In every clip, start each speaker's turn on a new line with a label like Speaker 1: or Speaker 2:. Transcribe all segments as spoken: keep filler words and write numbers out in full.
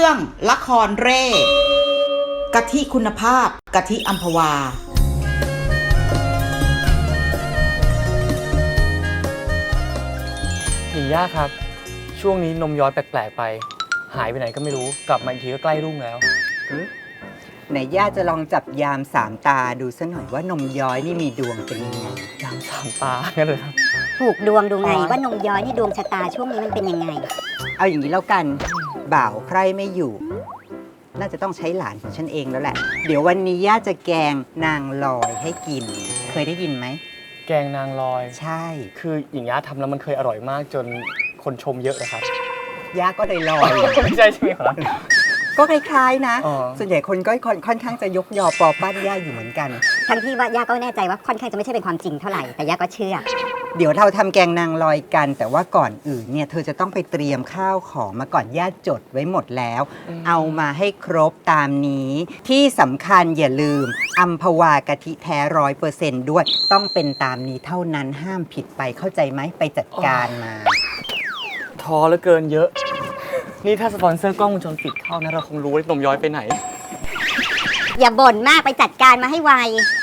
Speaker 1: รื่องละครเร่กะทิคุณภาพกะทิอัมพวา
Speaker 2: หญิงย่าครับช่วงนี้นมย้อยแปลกๆไปหายไปไหนก็ไม่รู้กลับมาอีกทีก็ใกล้รุ่งแล้ว
Speaker 3: ไหนย่าจะลองจับยามสามตาดูซะหน่อยว่านมย้อยนี่มีดวงเป็นยังไง
Speaker 2: ยามสามตางั้นเลยครับ
Speaker 4: ผูกดวงดูไงว่านมย้อยนี่ดวงชะตาช่วงนี้มันเป็นยังไง
Speaker 3: เอาอย่างนี้แล้วกันบ่าวใครไม่อยู่น่าจะต้องใช้หลานของฉันเองแล้วแหละเดี๋ยววันนี้ย่าจะแกงนางลอยให้กินเคยได้ยินไหม
Speaker 2: แกงนางลอย
Speaker 3: ใช่
Speaker 2: คือหญิงย่าทำแล้วมันเคยอร่อยมากจนคนชมเยอะนะครับ
Speaker 3: ย่าก็เลยลอย
Speaker 2: ไม่ใช่ใช่ไหมครับ
Speaker 3: ก็คล้ายๆนะส่วนใหญ่คนก็ค่อนข้างจะยกยอปอปั้นย่าอยู่เหมือนกัน
Speaker 4: ทั้งที่ว่าย่าก็แน่ใจว่าค่อนข้างจะไม่ใช่เป็นความจริงเท่าไหร่แต่ย่าก็เชื่อ
Speaker 3: เดี๋ยวเราทำแกงนางลอยกันแต่ว่าก่อนอื่นเนี่ยเธอจะต้องไปเตรียมข้าวของมาก่อนย่าจดไว้หมดแล้วเอามาให้ครบตามนี้ที่สำคัญอย่าลืมอัมพวากะทิแท้ร้อยเปอร์เซนต์ด้วยต้องเป็นตามนี้เท่านั้นห้ามผิดไปเข้าใจไหมไปจัดการมา
Speaker 2: ท้อเหลือเกินเยอะนี่ถ้าสปอนเซอร์กล้องวงจรปิดเข้านะเราคงรู้ว่านมย้อยไปไหน
Speaker 4: อย่าบ่นมากไปจัดการมาให้ไว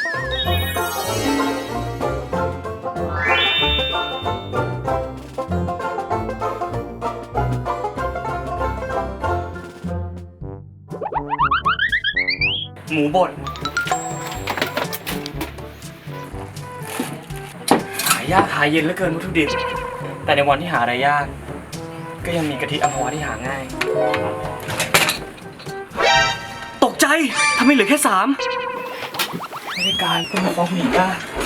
Speaker 2: หมูบดหายากหาเย็นเหลือเกินวัตถุดิบแต่ในวันที่หาอะไรยากก็ยังมีกะทิอัมพวาที่หาง่ายตกใจทำไมเหลือแค่สามไม่ได้การคุณมาฟ้องหนีก้า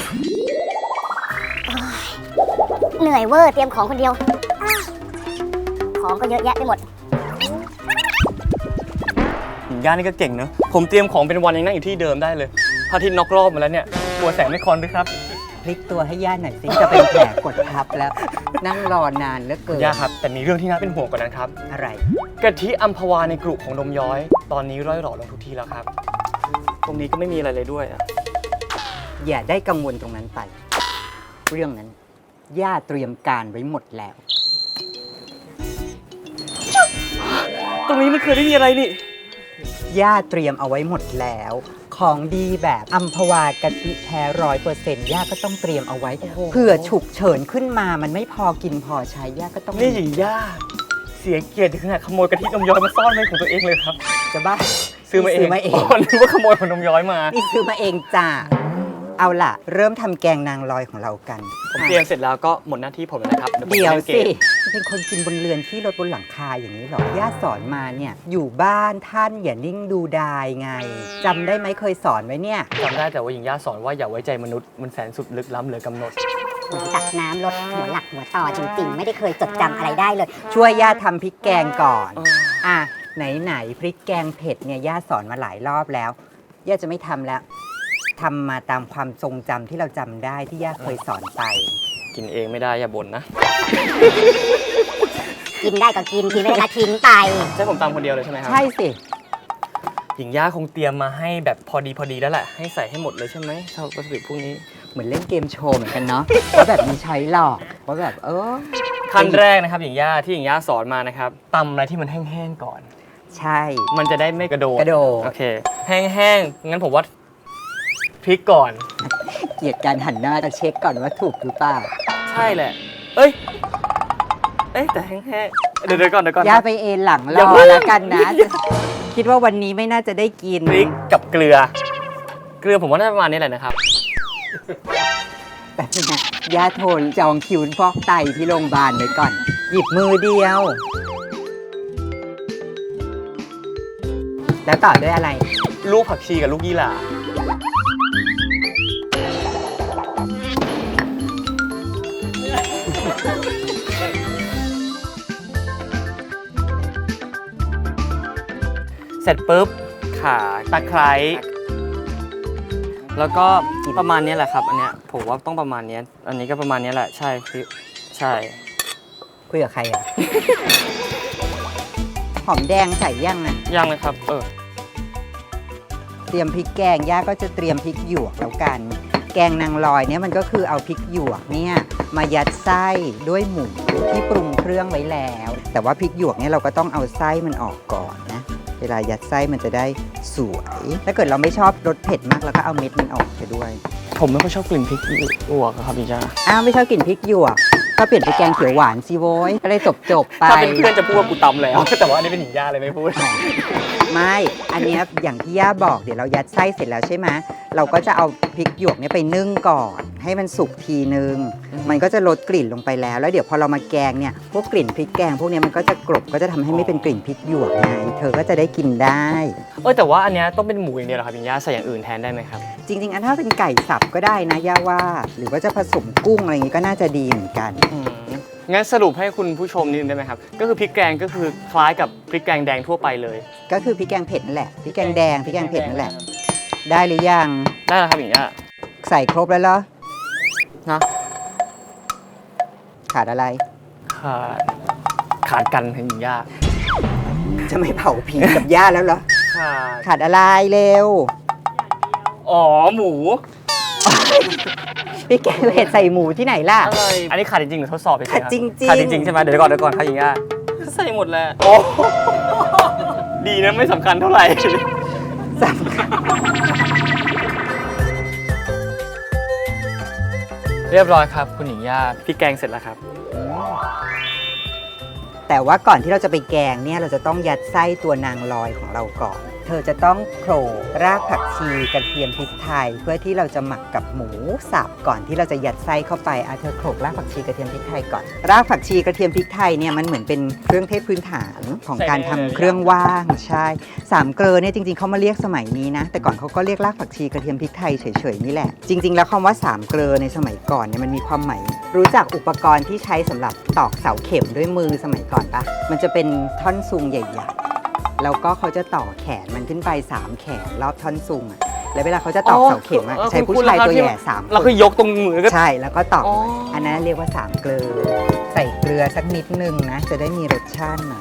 Speaker 4: เหนื่อยเวอร์เตรียมของคนเดียวของก็เยอะแยะไปหมด
Speaker 2: หญิงย่านี่ก็เก่งเนอะผมเตรียมของเป็นวันยังนั่งอยู่ที่เดิมได้เลยพระอาทิตย์น็อกรอบมาแล้วเนี่ยกลัวแสงไม่คอนด้วยครับ
Speaker 3: พลิกตัวให้ย่าหน่อยสิจะเป็นแผลกดทับแล้วนั่งรอนานเหลือเกิน
Speaker 2: ย่าครับแต่มีเรื่องที่น่าเป็นห่วงกว่านั้นครับ
Speaker 3: อะไร
Speaker 2: กะทิอัมพวาในกลุ่มของนมย้อยตอนนี้ร่อยหล่อลงทุกทีแล้วครับตรงนี้ก็ไม่มีอะไรเลยด้วยอ่ะ
Speaker 3: อย่าได้กังวลตรงนั้นไปเรื่องนั้นย่าเตรียมการไว้หมดแล้ว
Speaker 2: ตรงนี้มันเคยไม่มีอะไรนี่
Speaker 3: ย่าเตรียมเอาไว้หมดแล้วของดีแบบอัมพวากะทิแท้ร้อยเปอร์เซ็นต์ย่าก็ต้องเตรียมเอาไว้เผื่อฉุกเฉินขึ้นมามันไม่พอกินพอใช้ย่าก็ต้อง
Speaker 2: นี่หญิงย่าเสียเกียรติถึงขนาดขโมยกะทินมย้อยมาซ่อนไว้ของตัวเองเลยครับ
Speaker 3: จะบ้า
Speaker 2: ซื้อมาเอง
Speaker 3: ซื้อมาเอง
Speaker 2: นึกว่าขโมยของนมย้อยมา
Speaker 3: นี่ซื้อมาเองจ้าเอาล่ะเริ่มทำแกงนางลอยของเรากัน
Speaker 2: ผมเตรียมเสร็จแล้วก็หมดหน้าที่ผมแล้วนะครับ
Speaker 3: เดี๋ยวสิเป็นคนกินบนเรือนที่รถบนหลังคาอย่างนี้หรอย่าสอนมาเนี่ยอยู่บ้านท่านอย่านิ่งดูดายไงจำได้ไหมเคยสอนไว้เนี่ย
Speaker 2: จำได้แต่ว่าหญิงย่าสอนว่าอย่าไว้ใจมนุษย์มันแสนสุดลึกล้ำเหลือกำหนด
Speaker 4: เหมือนตักน้ำลดหัวหลักหัวต่อจริงๆไม่ได้เคยจดจำอะไรได้เลย
Speaker 3: ช่วยย่าทำพริกแกงก่อนอ่ะไหนๆพริกแกงเผ็ดเนี่ยย่าสอนมาหลายรอบแล้วย่าจะไม่ทำแล้วทำมาตามความทรงจำที่เราจำได้ที่ย่าเคยสอนไป
Speaker 2: กินเองไม่ได้อย่าบ่นนะ
Speaker 4: กินได้ก็กินกินไม่ได้ก็ทิ้งไป
Speaker 2: ใช่ผมตามคนเดียวเลยใช่ไหมครับ
Speaker 3: ใช่สิ
Speaker 2: หญิงย่าคงเตรียมมาให้แบบพอดีพอดีแล้วแหละให้ใส่ให้หมดเลยใช่ไหมชอบวัตถุดิบพวกนี้
Speaker 3: เหมือนเล่นเกมโชว์เหมือนกันเนาะว่าแบบมีใช้หลอกว่าแบบเออ
Speaker 2: ขั้นแรกนะครับหญิงย่าที่หญิงย่าสอนมานะครับตำอะไรที่มันแห้งๆก่อน
Speaker 3: ใช่
Speaker 2: มันจะได้ไม่กระโดด
Speaker 3: กระโดด
Speaker 2: โอเคแห้งๆงั้นผมว่าพริกก่อน
Speaker 3: เกลียดการหันหน้าจะเช็คก่อนว่าถูกหรือเปล่า
Speaker 2: ใช่แหละเอ้ยเอ้ยแต่แห้งๆเดี๋ยวเดี๋ยวก่อนเดี๋ยวก่อน
Speaker 3: ย่าไปเอนหลังรอแล้วกันนะคิดว่าวันนี้ไม่น่าจะได้กิน
Speaker 2: พริกกับเกลือเกลือผมว่าน่าจะประมาณนี้แหละนะครับ
Speaker 3: แต่เนี่ยย่าโทรจองคิวฟอกไตที่โรงพยาบาลไว้ก่อนหยิบมือเดียวแล้วต่อด้วยอะไร
Speaker 2: ลูกผักชีกับลูกยี่หร่าเสร็จปุ๊บข่าตะไคร้แล้วก็ประมาณนี้แหละครับอันเนี้ยผมว่าต้องประมาณนี้อันนี้ก็ประมาณนี้แหละใช่คือใช่
Speaker 3: คุยกับใครอ่ะ หอมแดงใส่ยังอ่ะ
Speaker 2: ยังเลยครับเออ
Speaker 3: เตรียมพริกแกงย่าก็จะเตรียมพริกหยวกแล้วกันแกงนางลอยเนี่ยมันก็คือเอาพริกหยวกเนี่ยมายัดไส้ด้วยหมูที่ปรุงเครื่องไว้แล้วแต่ว่าพริกหยวกเนี่ยเราก็ต้องเอาไส้มันออกก่อนนะลายัดไส้มันจะได้สวย ถ้าเกิดเราไม่ชอบรสเผ็ดมากเราก็เอาเม็ดมันออกไปด้วย
Speaker 2: ผมไม่ค่อยชอบกลิ่นพริกหยวกอะครับพี่จ้า
Speaker 3: อ้าวไม่ชอบกลิ่นพริกหยวกก็เปลี่ยนไปแกงเขียวหวานสิโว้ยก็เลยจบจบๆไป
Speaker 2: ถ้าเป็นเพื่อนจะพูดว่ากูตำแล้ว แต่ว่าอันนี้เป็นหญิงย่าเลยไม่พูด
Speaker 3: ไม่ อันเนี้ยอย่างที่ย่าบอกเดี๋ยวเรายัดไส้เสร็จแล้วใช่ไหมเราก็จะเอาพริกหยวกเนี่ยไปนึ่งก่อน ให้มันสุกทีนึง
Speaker 2: อืม
Speaker 3: มันก็จะลดกลิ่นลงไปแล้ว แล้วเดี๋ยวพอเรามาแกงเนี่ยพวกกลิ่นพริกแกงพวกเนี้ยมันก็จะกลบก็จะทำให้ไม่เป็นกลิ่นพริกหยวกไงเธอก็จะได้กินได้
Speaker 2: เออแต่ว่าอันเนี้ยต้องเป็นหมูอย่างเดียวเหรอครับหญิงย่าใส่อย่างอื่นแทนได้ไหมครับ
Speaker 3: จริง ๆ อันถ้าเป็นไก่สับก็ได้นะย่าว่า หรือว่าจะผสมกุ้งอะไรอย่างงี้ก็น่าจะดีเหมือนกัน
Speaker 2: อืมงั้นสรุปให้คุณผู้ชมนิดนึงได้ไหมครับ ก็คือพริกแกงก็คือคล้ายกับพริกแกงแดงทั่วไปเลย
Speaker 3: ก็คือพริกแกงเผ็ดนั่นแหละพริกแกงแดงพริกแกงเผ็ดนั่นแหละ ได้หรือยัง
Speaker 2: ได้แล้วครับหญิงย่า
Speaker 3: ใส่ครบแล้วเหรอ
Speaker 2: นะ
Speaker 3: ขาดอะไร
Speaker 2: ขาดขาดกันครับหญิงย่า
Speaker 3: จะไม่เผาผีกับย่าแล้วเหรอ
Speaker 2: ขาด
Speaker 3: ขาดอะไรเร็ว
Speaker 2: อ๋อหมู
Speaker 3: พี่แกงเผ็ดใส่หมูที่ไหนล่ะ
Speaker 2: อะไรอันนี้ขาดจริงๆหรือทดสอบเฉยๆครับ
Speaker 3: ขาดจริงๆ
Speaker 2: ขาดจริงๆใช่ไหมเดี๋ยวก่อนเดี๋ยวก่อนครับหญิงย่าใส่หมดแล้วโอ้ดีนะไม่สำคัญเท่าไหร่
Speaker 3: สำคัญ
Speaker 2: เรียบร้อยครับคุณหญิงย่าพริกแกงเสร็จแล้วครับ
Speaker 3: แต่ว่าก่อนที่เราจะไปแกงเนี่ยเราจะต้องยัดไส้ตัวนางลอยของเราก่อน เธอจะต้องโขลกรากผักชีกระเทียมพริกไทย เพื่อที่เราจะหมักกับหมูสับก่อนที่เราจะยัดไส้เข้าไปอ่ะเธอโขลกรากผักชีกระเทียมพริกไทยก่อน รากผักชีกระเทียมพริกไทยเนี่ยมันเหมือนเป็นเครื่องเทศพื้นฐานของการทำเครื่องว่างใช่สามเกลอเนี่ยจริงๆเขามาเรียกสมัยนี้นะแต่ก่อนเขาก็เรียกรากผักชีกระเทียมพริกไทยเฉยๆนี่แหละจริงๆแล้วคำว่าสามเกลอในสมัยก่อนเนี่ยมันมีความหมายรู้จักอุปกรณ์ที่ใช้สำหรับตอกเสาเข็มด้วยมือสมัยก่อนปะมันจะเป็นท่อนซุงใหญ่ๆแล้วก็เขาจะต่อแขนมันขึ้นไปสามแขนรอบท่อนซุงอะแล้วเวลาเขาจะตอกเสาเข็มอะ
Speaker 2: อ๋อ
Speaker 3: ใช้ผู้ชายตัวใหญ่สามค
Speaker 2: เราคือน ยกตรงมือก็
Speaker 3: ใช่แล้วก็ตอก
Speaker 2: อ๋อ
Speaker 3: อันนั้นเรียกว่าสามเกลือใส่เกลือสักนิดนึงนะจะได้มีรสชาติหน่อย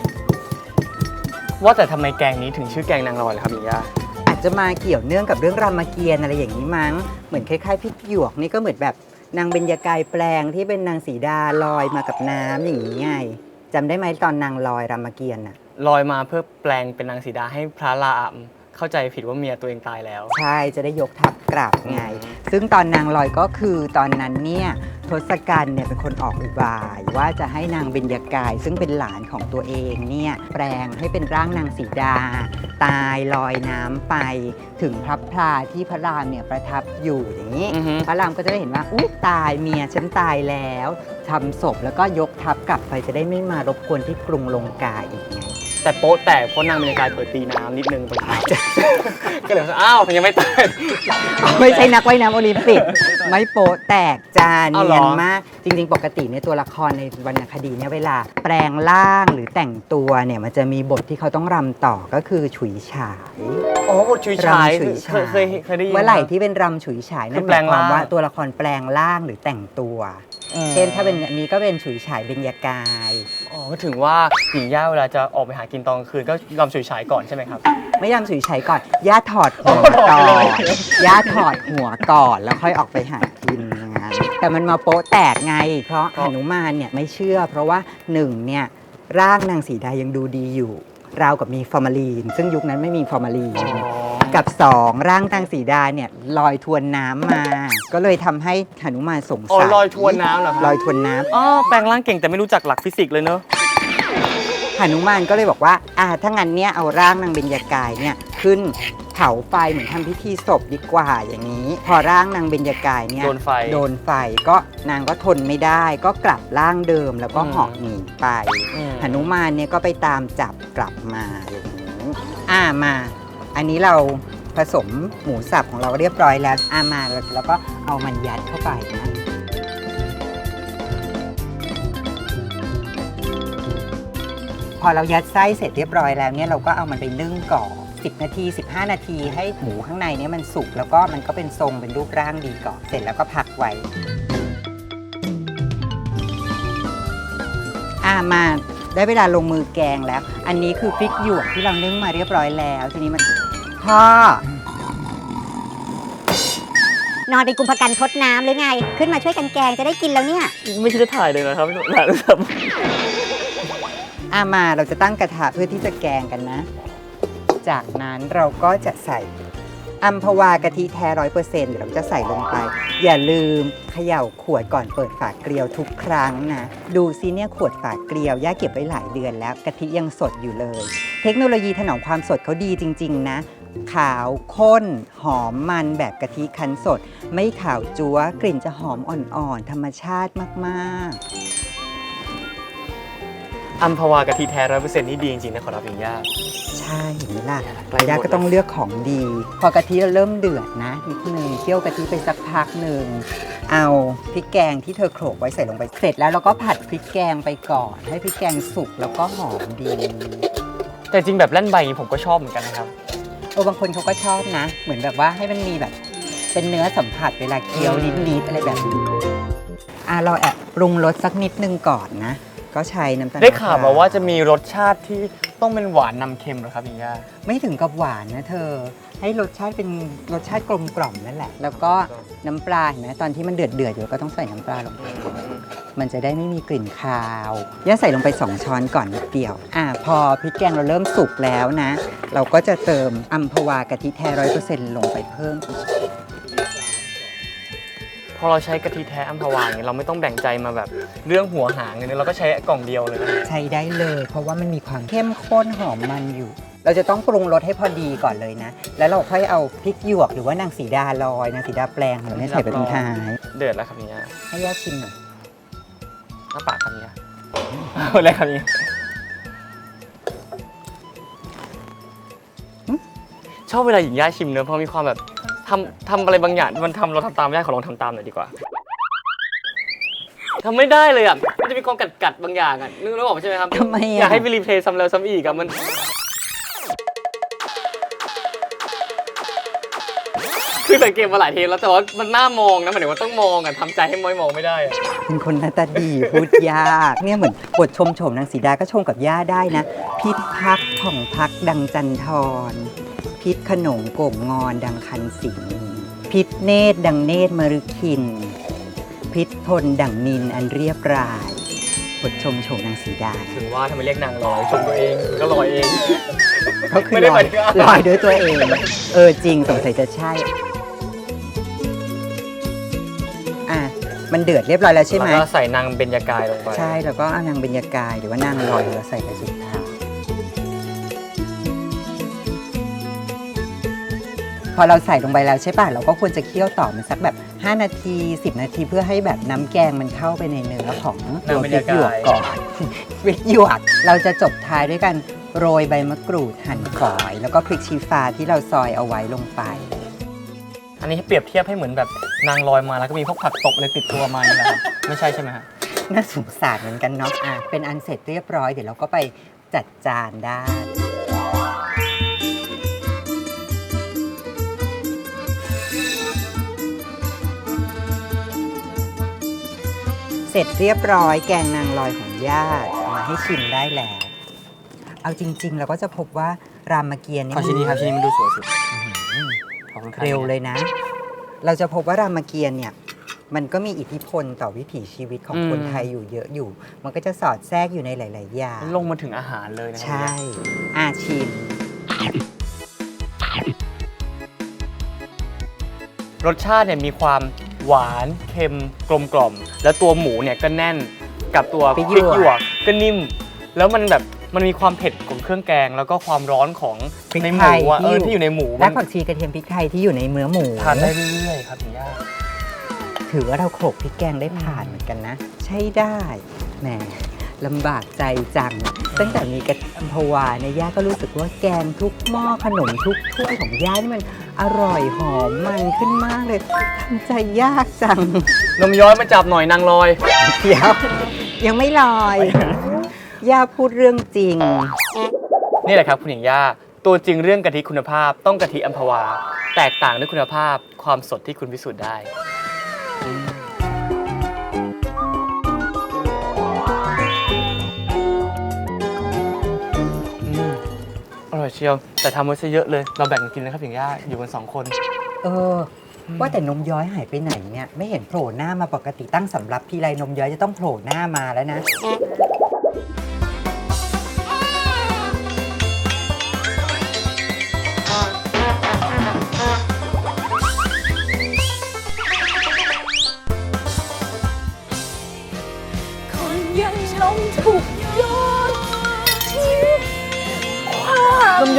Speaker 2: ว่าแต่ทำไมแกงนี้ถึงชื่อแกงนางลอยล่ะครับหญิงย่า
Speaker 3: อาจจะมาเกี่ยวเนื่องกับเรื่องรามเกียรติ์อะไรอย่างนี้มั้งเหมือนคล้ายๆพริกหยวกนี่ก็เหมือนแบบนางเบญจกายแปลงที่เป็นนางสีดาลอยมากับน้ำอย่างนี้ไงจำได้ไหมตอนนางลอยรามเกียรติ์น่ะ
Speaker 2: ลอยมาเพื่อแปลงเป็นนางสีดาให้พระรามเข้าใจผิดว่าเมียตัวเองตายแล้ว
Speaker 3: ใช่จะได้ยกทัพกลับไง ซึ่งตอนนางลอยก็คือตอนนั้นเนี่ยทศกัณฐ์เนี่ยเป็นคนออกอุบาย ว่าจะให้นางเบญจกาย ซึ่งเป็นหลานของตัวเองเนี่ยแปลงให้เป็นร่างนางสีดา ตายลอยน้ำไปถึงพระพลาที่พระรามเนี่ยประทับอยู่อย่างนี้
Speaker 2: อือฮึ
Speaker 3: พระรามก็จะได้เห็นว่าอุ๊ยตายเมียฉันตายแล้วทำศพแล้วก็ยกทัพกลับไปจะได้ไม่มารบกวนที่กรุงลงกาอีกไง
Speaker 2: แต่โป๊ะแตกเพราะนางบรรยากาศเปิดตีน้ำนิดนึงตรงท้าย ก็เลยว่าอ้าวมันยังไม่ตาย
Speaker 3: ไม่ใช่นักว่ายน้ำโอลิมปิก ไม่โปะแตกจาน
Speaker 2: อ้าวเหร
Speaker 3: เนี
Speaker 2: อ
Speaker 3: ยนมาก จริง ๆ ปกติเนี่ยตัวละครในวรรณคดีเนี่ยเวลา แปลงร่างหรือแต่งตัวเนี่ยมันจะมีบทที่เขาต้องรำต่อก็คือฉุยฉาย
Speaker 2: โอ้บทชุยฉาย
Speaker 3: รำฉุย
Speaker 2: เค
Speaker 3: ฉาย
Speaker 2: ยเคยเคยได้ยิน
Speaker 3: เมื่อไหร่ที่เป็นรำฉุยฉายนั่น
Speaker 2: คือ
Speaker 3: ห
Speaker 2: แปล
Speaker 3: มาย
Speaker 2: ง
Speaker 3: ความว่า
Speaker 2: ร่าง
Speaker 3: ตัวละครแปลงร่างหรือแต่งตัว
Speaker 2: อืม
Speaker 3: เช่นถ้าเป็นอันนี้ก็เป็นฉุยฉายเบญญากาย
Speaker 2: อ๋อก็ถึงว่าหญิงย่าเวลาจะออกไปหากินตอนกลางคืนก็รำฉุยฉายก่อนใช่ไหมครับ
Speaker 3: ไม่ยำฉุยฉายก่อน ย่าถอดหัวก่อน ย่าถอดหัวก่อนแล้วค่อยออกไปหากินอย่างนั้นแต่มันมาโป๊ะแตกไง เพราะ
Speaker 2: ครับ
Speaker 3: หนุมานเนี่ยไม่เชื่อ เพราะว่าหนึ่งเนี่ยร่างนางสีดายังดูดีอยู่ ราวกับมีฟอร์มาลีน ซึ่งยุคนั้นไม่มีฟอร์มาลีน กับสองร่างนางสีดาเนี่ยลอยทวนน้ำมา ก็เลยทำให้หนุมานสง
Speaker 2: อ๋อ
Speaker 3: สัย
Speaker 2: ลอยทวนน้ำเหรอครับ
Speaker 3: ลอยทวนน้ำ
Speaker 2: อ๋อแปลงร่างเก่งแต่ไม่รู้จักหลักฟิสิกส์เลยเนอะ
Speaker 3: หนุมานก็เลยบอกว่าอ่าถ้างั้นเนี่ยเอาร่างนางเบญจกายเนี่ยขึ้นเผาไฟเหมือนทำพิธีศพดีกว่าอย่างนี้ พอร่างนางเบญจกายเนี่ย
Speaker 2: โดนไฟ
Speaker 3: โดนไฟก็นางก็ทนไม่ได้ ก็กลับร่างเดิมแล้วก็
Speaker 2: อืม
Speaker 3: เหาะหนีไป
Speaker 2: อืม
Speaker 3: หนุมานเนี่ยก็ไปตามจับกลับมาอย่างนี้อ่ามา อันนี้เราผสมหมูสับของเราเรียบร้อยแล้วอ่ามาแล้วก็เอามันยัดเข้าไปนะพอเรายัดไส้เสร็จเรียบร้อยแล้วเนี่ยเราก็เอามันไปนึ่งก่อนสิบนาทีสิบห้านาทีให้หมูข้างในเนี่ยมันสุกแล้วก็มันก็เป็นทรงเป็นรูปร่างดีก่อนเสร็จแล้วก็พักไว้อ่ามาได้เวลาลงมือแกงแล้ว อันนี้คือพริกหยวกที่เรานึ่งมาเรียบร้อยแล้วทีนี้มันพ่อน
Speaker 4: อนเป็นกุมภกันทดน้ำหรือไง ขึ้นมาช่วยกันแกงจะได้กินแล้วเนี่ย
Speaker 2: ไม่ใช่จะถ่ายเลยนะครับถ่ายเลยครับ
Speaker 3: อ่ามาเราจะตั้งกระทะเพื่อที่จะแกงกันนะจากนั้นเราก็จะใส่อัมพวากะทิแท้ร้อยเปอร์เซ็นต์เดี๋ยวเราจะใส่ลงไป อย่าลืมเขย่าขวดก่อนเปิดฝาเกลียวทุกครั้งนะดูซิเนี่ยขวดฝาเกลียวย่าเก็บไว้หลายเดือนแล้วกะทิยังสดอยู่เลย เทคโนโลยีถนอมความสดเขาดีจริงๆนะขาวข้นหอมมันแบบกะทิคั้นสดไม่ขาวจั๊วกลิ่นจะหอมอ่อนๆธรรมชาติมากๆ
Speaker 2: อัมพวากะทิแท้ร้อยเปอร์เซ็นต์นี่ดีจริงๆนะขอรับอย่างย่า
Speaker 3: ใช่เห็นไหมล่ะ
Speaker 2: ใกล้หมด
Speaker 3: ย่าก็ต้องเลือกของดี พอกะทิเริ่มเดือดนะนิดนึงเคี่ยวกะทิไปสักพักหนึ่งเอาพริกแกงที่เธอโขลกไว้ใส่ลงไปเสร็จแล้วเราก็ผัดพริกแกงไปก่อนให้พริกแกงสุกแล้วก็หอมดี
Speaker 2: แต่จริงแบบแล่นใบอย่างนี้ผมก็ชอบเหมือนกันนะครับ
Speaker 3: โอ้บางคนเขาก็ชอบนะ เหมือนแบบว่าให้มันมีแบบเป็นเนื้อสัมผัสเวลาเคี้ยวนิดๆอะไรแบบนี้อ่ะเราแอบปรุงรสสักนิดนึงก่อนนะก็ใช้น้ำตาล
Speaker 2: ได้ข่าวมาว่าจะมีรสชาติที่ต้องเป็นหวานนำเค็มเหรอครับอย่างย่า
Speaker 3: ไม่ถึงกับหวานนะเธอ ให้รสชาติเป็นรสชาติกลมกล่อมนั่นแหละ แล้วก็น้ำปลาเห็นไหมตอนที่มันเดือดเดือดอยู่ก็ต้องใส่น้ำปลาลงไปมันจะได้ไม่มีกลิ่นคาวย่าใส่ลงไปสองช้อนก่อนนิดเดียวอ่ะพอพริกแกงเราเริ่มสุกแล้วนะ เราก็จะเติมอัมพวากะทิแท้ร้อยเปอร์เซ็นต์ลงไปเพิ่มอีก
Speaker 2: พอเราใช้กะทิแท้อัมพวาอย่างนี้เราไม่ต้องแบ่งใจมาแบบเรื่องหัวหางเลยนะเราก็ใช้กล่องเดียวเลยนะ
Speaker 3: ใช้ได้เลย เพราะว่ามันมีความเข้มข้นหอมมันอยู่ เราจะต้องปรุงรสให้พอดีก่อนเลยนะ แล้วเราค่อยเอาพริกหยวกหรือว่านางสีดาลอยนางสีดาแปลงของเราเนี่ยใส่ไปตรงท้าย
Speaker 2: เดือดแล้วครับอย่างย่า
Speaker 3: ให้ย่าชิมหน่อย
Speaker 2: อ้าปากครับอย่างย่าเอาเลยครับอย่างย่าชอบเวลาหญิงย่าชิมเนอะเพราะมีความแบบทำทำอะไรบางอย่างมันทำเราทำตามไม่ได้ขอลองทำตามหน่อยดีกว่าทำไม่ได้เลยอ่ะมันจะมีความกัดกัดๆบางอย่างอ่ะนึกนึกออกใช่ไหมครับ
Speaker 3: ทำไม
Speaker 2: อยา
Speaker 3: อ่ะ
Speaker 2: กให้ไปรีเพลย์ซ้ำแล้วซ้ำอีกอ่ะมันคือสังเกตมาหลายเทปแล้วแต่ว่ามันน่ามองนะหมายถึงว่าต้องมองอ่ะทำใจให้มอยมองไม่ได้อ่ะ
Speaker 3: เป็นคนหน้าตาดีพูดยากเนี่ยเหมือนบทชมโฉมนางสีดาก็ชมกับย่าได้นะ พิษพักผ่องพักดังจันทรพิษขนงโก่งงอนดังคันสิงพิษเนตรดังเนตรมฤคิน พิษทนดังนินอันเรียบรายบทชมโฉมนางสีดา
Speaker 2: ถึงว่าทำไมเรียกนางลอยชมตัวเองก็ลอยเอง
Speaker 3: เขาคือ
Speaker 2: ไม่ได้
Speaker 3: ล
Speaker 2: ห
Speaker 3: อ
Speaker 2: มาย ยถึงว่า
Speaker 3: ลอยด้วยตัวเอง เออจริงสงสัยจะใช่อ่ะมันเดือดเรียบร้อยแล้วใช่ไหม
Speaker 2: แล้วก็ใส่นางเบญจกายลงไป
Speaker 3: ใช่แล้วก็เอานางเบญจกายหรือว่านางลอยเราใส่ไปสุดท้ายพอเราใส่ลงไปแล้วใช่ป่ะเราก็ควรจะเคี่ยวต่อมันสักแบบห้านาทีสิบนาทีเพื่อให้แบบน้ำแกงมันเข้าไปในเนื้อของตัวพริกหยวกก่อนพริกหยวกเราจะจบท้ายด้วยกันโรยใบมะกรูดหั่นฝอย แล้วก็พริกชี้ฟ้าที่เราซอยเอาไว้ลงไป
Speaker 2: อันนี้เปรียบเทียบให้เหมือนแบบนางลอยมาแล้วก็มีพวกผักตบอะไรติดตัวมาอย่างนี้แหละครับไม่ใช่ใช่ไหมฮะ
Speaker 3: น่าสงสารเหมือนกันเนาะอ่ะเป็นอันเสร็จเรียบร้อยเดี๋ยวเราก็ไปจัดจานได้ เสร็จเรียบร้อยแกงนางลอยของญาติมาให้ชิมได้แล้ว เอาจริง ๆ เราก็จะพบว่ารามเกียรติ์นี่
Speaker 2: ขอชิ้นนี้ครับชิ้นนี้มันดูสวยสุดขอบคุณครับ
Speaker 3: เร็วเลยนะ เราจะพบว่ารามเกียรติ์เนี่ยมันก็มีอิทธิพลต่อวิถีชีวิตของคนไทยอยู่เยอะอยู่ มันก็จะสอดแทรกอยู่ในหลาย ๆ อย่าง
Speaker 2: ลงมาถึงอาหารเลยนะครั
Speaker 3: ใช่ อาชิม
Speaker 2: รสชาติเนี่ยมีความหวานเค็มกลมกล่อม แล้วตัวหมูเนี่ยก็แน่นกับตัวพ
Speaker 3: พริ
Speaker 2: ริ
Speaker 3: ก
Speaker 2: ก
Speaker 3: หยวก
Speaker 2: หยวกก็นิ่ม แล้วมันแบบมันมีความเผ็ดของเครื่องแกง แล้วก็ความร้อนของ
Speaker 3: พริก
Speaker 2: ในห
Speaker 3: ไท
Speaker 2: มู
Speaker 3: ย
Speaker 2: อะเออ
Speaker 3: ที่อยู่
Speaker 2: ที่อยู่ในหมู
Speaker 3: และ
Speaker 2: มัน
Speaker 3: ผักชีกระเทียมพริกไทยที่อยู่ในเนื้อหมู
Speaker 2: ทานได้เรื่อยๆครับคุณย่า
Speaker 3: ถือว่าเราโขลกพริกแกงได้ผ่านเหมือนกันนะ ใช่ได้แหมลำบากใจจัง ตั้งแต่มีกระอัมพวาเนี่ยย่าก็รู้สึกว่าแกงทุกหม้อขนมทุกถ้วยของย่านี่มันอร่อยหอมมันขึ้นมากเลยทำใจยากจัง
Speaker 2: นมย้อยมาจับหน่อยนางลอย
Speaker 3: เดี๋ยว ยังไม่ลอย ย่าพูดเรื่องจริง
Speaker 2: นี่แหละครับคุณหญิงย่าตัวจริงเรื่องกะทิคุณภาพต้องกะทิอัมพวา แตกต่างด้วยคุณภาพความสดที่คุณพิสูจน์ได้อืมอร่อยเชียวแต่ทำไว้ซะเยอะเลยเราแบ่งกันกินนะครับหญิงย่าอยู่กันสองคน
Speaker 3: เออ ว่าแต่นมย้อยหายไปไหนเนี่ย ไม่เห็นโผล่หน้ามาปกติตั้งสำรับทีไรนมย้อยจะต้องโผล่หน้ามาแล้วนะ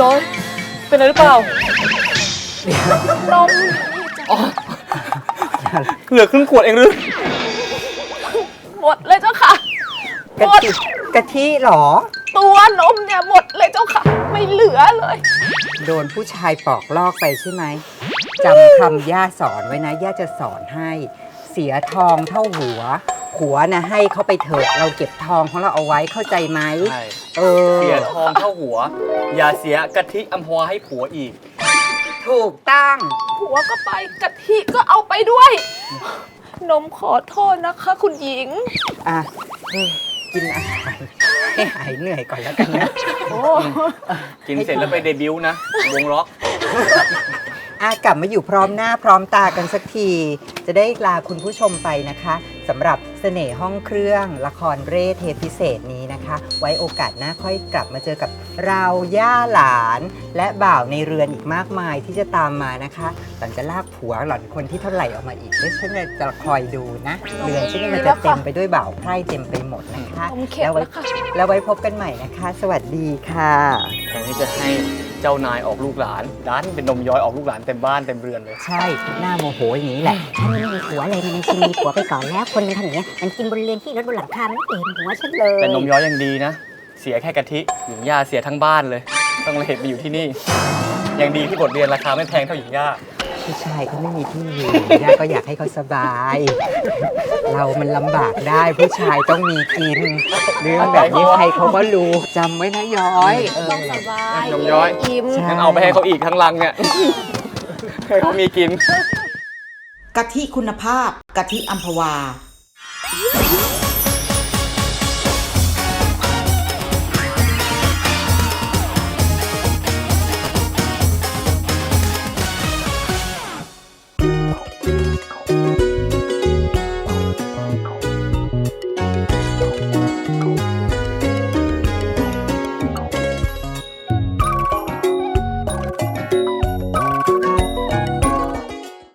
Speaker 2: ย้อย เป็นอะไรหรือเปล่า
Speaker 5: นม
Speaker 2: อ๋อ เหลือครึ่งขวดเองหรือ
Speaker 5: หมดเลยเจ้าค่ะ
Speaker 3: กะ
Speaker 5: หมด
Speaker 3: ทิกะทิเหรอ
Speaker 5: ตัวนมเนี่ยหมดเลยเจ้าค่ะ ไม่เหลือเลย
Speaker 3: โดนผู้ชายปอกลอกไปใช่ไหมจำคำย่าสอนไว้นะย่าจะสอนให้ เสียทองเท่าหัว หัวนะให้เขาไปเถอะเราเก็บทองของเราเอาไว้เข้าใจไหม
Speaker 2: ใช่
Speaker 3: เออ
Speaker 2: เสียทองเท่าหัว อย่าเสียกะทิอัมพวาให้ผัวอีก
Speaker 3: ถูกตั้ง
Speaker 5: หัวก็ไปกะทิก็เอาไปด้วย นมขอโทษนะคะ คุณหญิง
Speaker 3: อ่ะกินอาหารให้หายเหนื่อยก่อนแล้วกันนะ
Speaker 5: โอ้
Speaker 2: กินเสร็จแล้วไปเดบิวต์นะ วงล็อก
Speaker 3: อ่ะกลับมาอยู่พร้อมหน้าพร้อมตากันสักที จะได้ลาคุณผู้ชมไปนะคะสำหรับเสน่ห์ห้องเครื่องละครเร่เทปพิเศษนี้นะคะ ไว้โอกาสหน้าค่อยกลับมาเจอกับเราย่าหลาน และบ่าวในเรือนอีกมากมายที่จะตามมานะคะหล่อนจะลากผัวหล่อนคนที่เท่าไหร่ออกมาอีกเดี๋ยวฉันจะคอยดูนะเรือนฉันนี่มันจะเต็มไปด้วยบ่าวไพร่เต็มไปหมดนะคะ
Speaker 5: ผมเข็ด
Speaker 3: แล้วไว้
Speaker 5: แล้วค่ะ
Speaker 3: แล้วไว้พบกันใหม่นะคะ สวัสดีค่ะ
Speaker 2: แทนที่จะให้เจ้านายออกลูกหลานดันเป็นนมย้อยออกลูกหลานเต็มบ้านเต็มเรือนเลย
Speaker 3: ใช่หน้าโมโหอย่างนี้แหละ
Speaker 4: ฉันไม่มีผัวเลยมันชิงมีผัวไปก่อนแล้ว คนมันทำอย่างเงี้ยมันกินบนเรือนที่รถบนหลังคามันไม่เห็นหัวฉันเลย
Speaker 2: แต่นมย้อยยังดีนะ เสียแค่กะทิหญิงย่าเสียทั้งบ้านเลย ต้องเลยเหตุมาอยู่ที่นี่ ยังดีที่บทเรียนราคาไม่แพงเท่าหญิงย่า
Speaker 3: ผู้ชายเขาไม่มีที่อยู่ย่าก็อยากให้เขาสบาย เรามันลำบากได้ผู้ชายต้องมีกิน เรื่องแบบนี้ใครเขาก็รู้จำไว้นะย้อยเออ
Speaker 5: ต้องสบาย
Speaker 2: นมย้อย
Speaker 5: อิ่ม
Speaker 3: ใช่
Speaker 2: งั้นเอาไปให้เขาอีกทั้งลังเนี่ยให้เขามีกิน
Speaker 1: กะทิคุณภาพ กะทิอัมพวา